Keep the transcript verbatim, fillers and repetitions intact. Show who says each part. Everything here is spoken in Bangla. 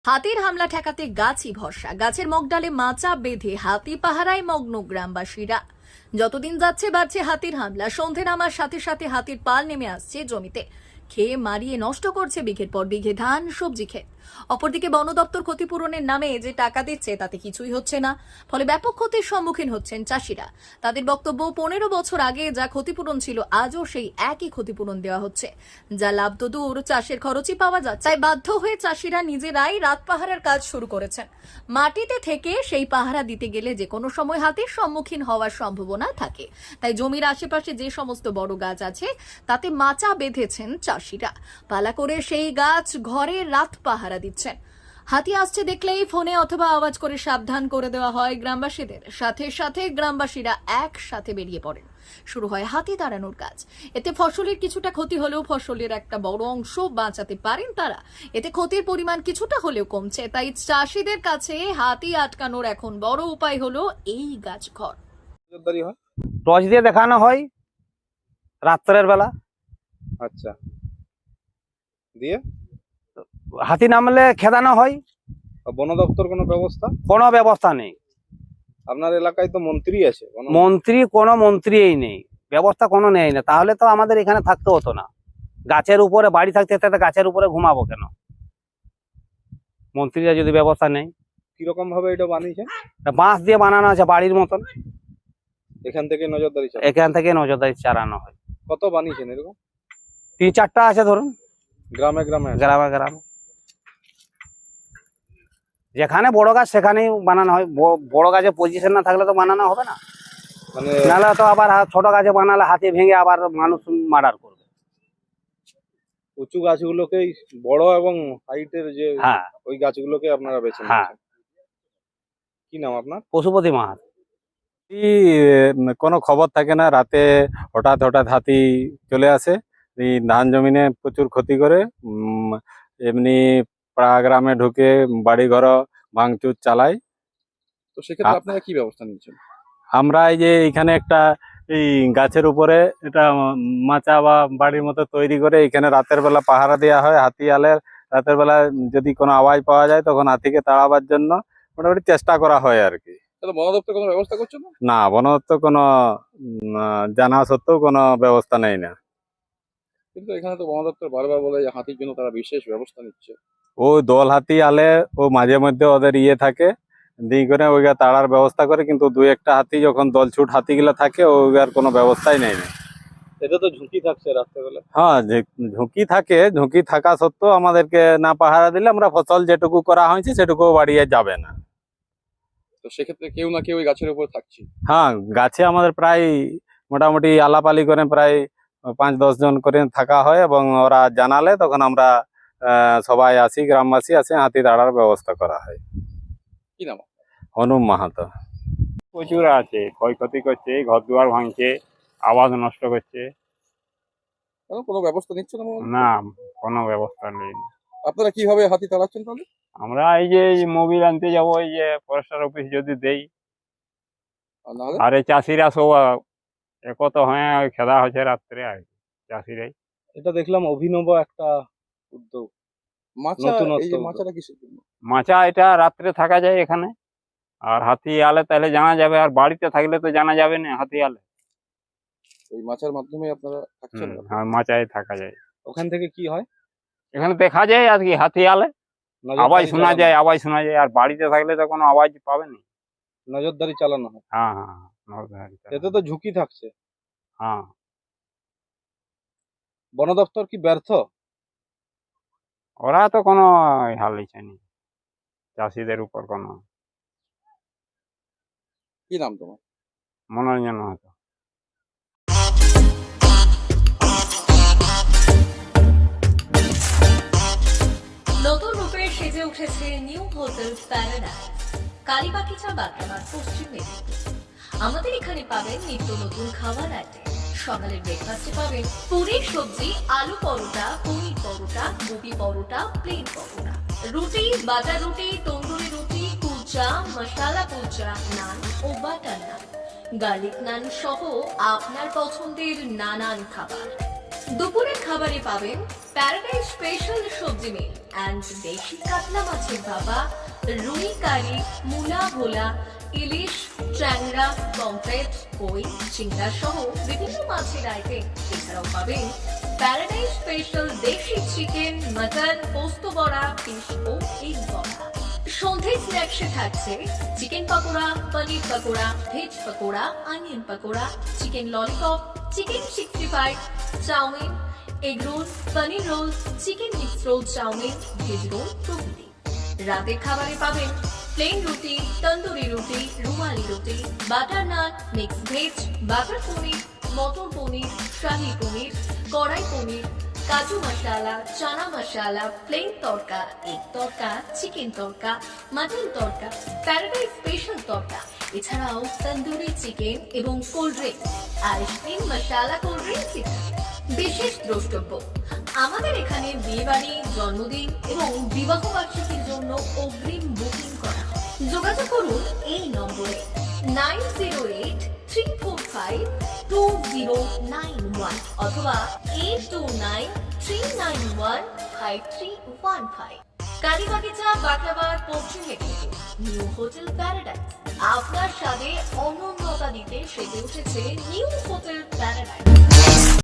Speaker 1: হাতির হামলা ঠেকাতে গাছই ভরসা। গাছের মগডালে মাচা বেঁধে হাতি পাহারায় মগ্ন গ্রামবাসীরা। যতদিন যাচ্ছে বাড়ছে হাতির হামলা। সন্ধে নামার সাথে সাথে হাতির পাল নেমে আসছে জমিতে, খেয়ে মারিয়ে নষ্ট করছে বিঘের পর বিঘে ধান, সবজি ক্ষেত। অপরদিকে বন দপ্তর ক্ষতিপূরণের নামে যে টাকা দিচ্ছে তাতে কিছুই হচ্ছে না, ফলে ব্যাপক ক্ষতির সম্মুখীন হচ্ছেন চাষিরা। তাদের বক্তব্য, পনেরো বছর আগে যা ক্ষতিপূরণ ছিল আজও সেই একই ক্ষতিপূরণ দেওয়া হচ্ছে, যা লাভ তো দূর, চাষের খরচই পাওয়া যাচ্ছে। তাই বাধ্য হয়ে চাষিরা নিজেরাই রাত পাহারার কাজ শুরু করেছেন। মাটিতে থেকে সেই পাহারা দিতে গেলে যে কোনো সময় হাতির সম্মুখীন হওয়ার সম্ভাবনা থাকে। তাই জমির আশেপাশে যে সমস্ত বড় গাছ আছে তাতে মাচা বেঁধেছেন চাষিরা। পালা করে সেই গাছ ঘরে রাত পাহারা দিচ্ছেন। হাতি আসছে দেখলেই ফোনে অথবা আওয়াজ করে সাবধান করে দেওয়া হয় গ্রামবাসীদের। সাথে সাথে গ্রামবাসীরা একসাথে বেরিয়ে পড়েন। শুরু হয় হাতি তাড়ানোর কাজ। এতে ফসলের কিছুটা ক্ষতি হলেও ফসলের একটা বড় অংশ বাঁচাতে পারেন তারা। এতে ক্ষতির পরিমাণ কিছুটা হলেও কমছে। তাই চাষিদের কাছে হাতি আটকানোর এখন বড় উপায় হলো এই গাছ ঘর।
Speaker 2: টর্চ দিয়ে দেখানো হয় রাত্রের বেলা।
Speaker 3: আচ্ছা, দিয়ে
Speaker 2: হাতি নামলে খেদানো হয়।
Speaker 3: বন দপ্তর কোনো ব্যবস্থা?
Speaker 2: কোনো ব্যবস্থা নেই।
Speaker 3: আপনার এলাকায় তো মন্ত্রী আছে। কোনো-
Speaker 2: মন্ত্রী কোনো মন্ত্রীই নেই, ব্যবস্থা কোনো নেই না। তাহলে তো আমাদের এখানে থাকতে হতো না। গাছের উপরে বাড়ি থাকতে থাকতে গাছের উপরে ঘুমাবো কেন? মন্ত্রীরা যদি ব্যবস্থা নেই।
Speaker 3: কিরকম ভাবে এটা বানিয়েছেন?
Speaker 2: বাঁশ দিয়ে বানানো আছে বাড়ির মতন।
Speaker 3: এখান থেকে নজরদারি চালান?
Speaker 2: এখান থেকে নজরদারি চালানো হয়।
Speaker 3: কত বানিয়েছেন এরকম?
Speaker 2: তিন চারটা আছে ধরুন,
Speaker 3: গ্রামে গ্রামে আছে?
Speaker 2: গ্রামে গ্রামে যেখানে বড় গাছ সেখানেই বানানো হয়। ব- বড় গাছে পজিশন না থাকলে তো বানানো হবে না।
Speaker 3: মানে
Speaker 2: নাহলে তো আবার হা- ছোট গাছে বানালে হাতি ভেঙে আবার মানুষ মার্ডার করবে।
Speaker 3: উঁচু গাছগুলোকেই, বড় এবং হাইটের যে
Speaker 2: হ্যাঁ
Speaker 3: ওই গাছগুলোকে আপনারা বেছে
Speaker 2: হ্যাঁ।
Speaker 3: নিয়েছেন। কি নাম আপনার?
Speaker 2: পশুপতি মাহাত।
Speaker 4: এই উম, কোনো খবর থাকে না, রাতে হঠাৎ হঠাৎ হাতি চলে আসে, এই ধান জমিনে প্রচুর ক্ষতি করে। উম, এমনি পাড়া গ্রামে ঢুকে বাড়ি ঘর ভাঙচুর চালায়।
Speaker 3: তো সেক্ষেত্রে
Speaker 4: আ-
Speaker 3: আপনারা কি ব্যবস্থা নিচ্ছেন?
Speaker 4: আমরা এই যে এখানে একটা এই গাছের উপরে এটা উম, মাচা বা বাড়ির মতো তৈরি করে এখানে রাতের বেলা পাহারা দেওয়া হয়। হাতি আলে রাতের বেলা যদি কোনো আওয়াজ পাওয়া যায় তখন হাতিকে তাড়াবার জন্য মোটামুটি চেষ্টা করা হয় আর কি।
Speaker 3: তাহলে বন দপ্তর কোনো ব্যবস্থা করছে না?
Speaker 4: না, বন দপ্তর কোনো উম, আহ, জানা সত্ত্বেও কোনো ব্যবস্থা নেই না।
Speaker 3: কিন্তু এখানে তো বন দপ্তর বারবার বলে যে হাতির জন্য তারা বিশেষ ব্যবস্থা নিচ্ছে।
Speaker 4: ও দল হাতি আলে ও মাঝে মধ্যে ওদের ইয়ে থাকে, দিয়ে করে ওইগা তাড়ার ব্যবস্থা করে, কিন্তু দুই একটা হাতি যখন দল ছুট হাতিগুলো থাকে ওইগার কোনো ব্যবস্থাই নেই না।
Speaker 3: এতে তো ঝুঁকি থাকছে রাত্রেবেলা।
Speaker 4: হ্যাঁ, যে- ঝুঁকি থাকে, ঝুঁকি থাকা সত্ত্বেও আমাদেরকে না পাহারা দিলে আমরা ফসল যেটুকু করা হয়েছে সেটুকু বাড়িয়ে যাবে না।
Speaker 3: তো সেক্ষেত্রে কেউ না কেউ ওই গাছের উপর থাকছে।
Speaker 4: হ্যাঁ, গাছে আমাদের প্রায় মোটামুটি আলাপালি করে প্রায় পাঁচ দশ জন করে থাকা হয়, এবং ওরা জানালে তখন আমরা আহ, সবাই আসি, গ্রামবাসী আসে, হাতি তাড়ার ব্যবস্থা করা হয়।
Speaker 3: কি নাম?
Speaker 4: হনুম মাহাতো।
Speaker 5: প্রচুর আছে, ক্ষয়ক্ষতি করছে, ঘর দুয়ার ভাঙছে, আবাদ নষ্ট করছে।
Speaker 3: কেন কোনো ব্যবস্থা নিচ্ছে না বন দপ্তর?
Speaker 5: না, কোনো ব্যবস্থা নেই।
Speaker 3: আপনারা কিভাবে হাতি তাড়াচ্ছেন তাহলে?
Speaker 5: আমরা এই যে মোবিল আনতে যাবো, এই যে ফরেস্টার অফিস যদি দেই,
Speaker 3: আর নাহলে
Speaker 5: আর এই চাষিরা সব আহ, একত হয়ে খেলা হচ্ছে রাত্রে, আর কি, চাষিরাই।
Speaker 3: এটা দেখলাম অভিনব একটা উদ্যোগ। মাচা, নতুনত্ব এই যে উদ্যোগ। মাচাটা কিসের জন্য?
Speaker 5: মাচা এটা রাত্রে থাকা যায় এখানে, আর হাতি আলে তাহলে জানা যাবে, আর বাড়িতে থাকলে তো জানা যাবে না হাতি আলে।
Speaker 3: ওই মাচার মাধ্যমে আপনারা থাকছেন?
Speaker 5: হুম, আর মাচায় থাকা যায়।
Speaker 3: ওখান থেকে কি হয়?
Speaker 5: এখানে দেখা যায় আর কি হাতি আলে
Speaker 3: নজরদারি
Speaker 5: আওয়াজ শোনা
Speaker 3: চালানো-
Speaker 5: যায়, আওয়াজ শোনা যায়। আর বাড়িতে থাকলে তো কোনো আওয়াজ পাবে না।
Speaker 3: নজরদারি চালানো হয়।
Speaker 5: হ্যাঁ হ্যাঁ হ্যাঁ, নজরদারি চালানো।
Speaker 3: এতে তো ঝুঁকি থাকছে।
Speaker 5: হ্যাঁ,
Speaker 3: বন দপ্তর কি ব্যর্থ?
Speaker 5: ওরা তো কোনো হাল নিচ্ছে নি চাষিদের উপর কোনো।
Speaker 3: কি নাম তোমার?
Speaker 5: মনোরঞ্জন হতো।
Speaker 1: নতুন রূপে সেজে উঠেছে new hotel paradise, Kalibagicha Bagdamar Paschim Medinipur. আমাদের এখানে পাবেন নিত্য নতুন খাবার আইটেম। সকালের ব্রেকফাস্টে পাবেন পুরি সবজি, আলু পরোটা, পনির পরোটা, গোবি পরোটা, প্লেন পরোটা, রুটি, বাটার রুটি, তন্দুরি রুটি, কুলচা, মশালা কুলচা, নান ও বাটার নান, গার্লিক নান সহ আপনার পছন্দের নানান খাবার। দুপুরের খাবারে পাবেন প্যারাডাইস স্পেশাল সবজি মিল অ্যান্ড দেশি কাতলা মাছের ভাপা, রুই কারি, মূলা ভোলা, ইলিশ, ট্যাংরা, পমফ্রেট, কই, চিংড়া সহ বিভিন্ন মাছের আইটেম। এছাড়াও পাবেন প্যারাডাইস স্পেশাল দেশি চিকেন, মাটন, পোস্ত বড়া, ফিশ ও এগ বড়া। সন্ধ্যে স্ন্যাক্সে থাকছে chicken pakora, paneer pakora, veg pakora, onion pakora, chicken lollipop, chicken sixty five, chow mein, egg roll, paneer roll, chicken mix roll, chow mein, veg roll প্রভৃতি। রাতের খাবারে পাবেন প্লেন রুটি, তন্দুরি রুটি, রুমালি রুটি, butter naan, mix veg, butter paneer, matar paneer, shahi paneer, kadai paneer, kaju masala, chana masala, plain tadka, egg tadka, chicken tadka, mutton tadka, paradise special tadka, এছাড়াও তন্দুরি চিকেন এবং cold drink, ice cream, masala cold drinks ইত্যাদি। বিশেষ দ্রষ্টব্য, আমাদের এখানে বিয়েবাড়ি, জন্মদিন এবং বিবাহ বার্ষিকীর জন্য অগ্রিম বুকিং করা হয়। যোগাযোগ করুন এই নম্বরে nine zero eight three four five two zero nine one অথবা eight two nine three nine one five three one five. Kalibagicha, Baklabad, Paschim Medinipur, new hotel paradise আপনার স্বাদে অনন্যতা দিতে সেজে উঠেছে নিউ হোটেল প্যারাডাইস।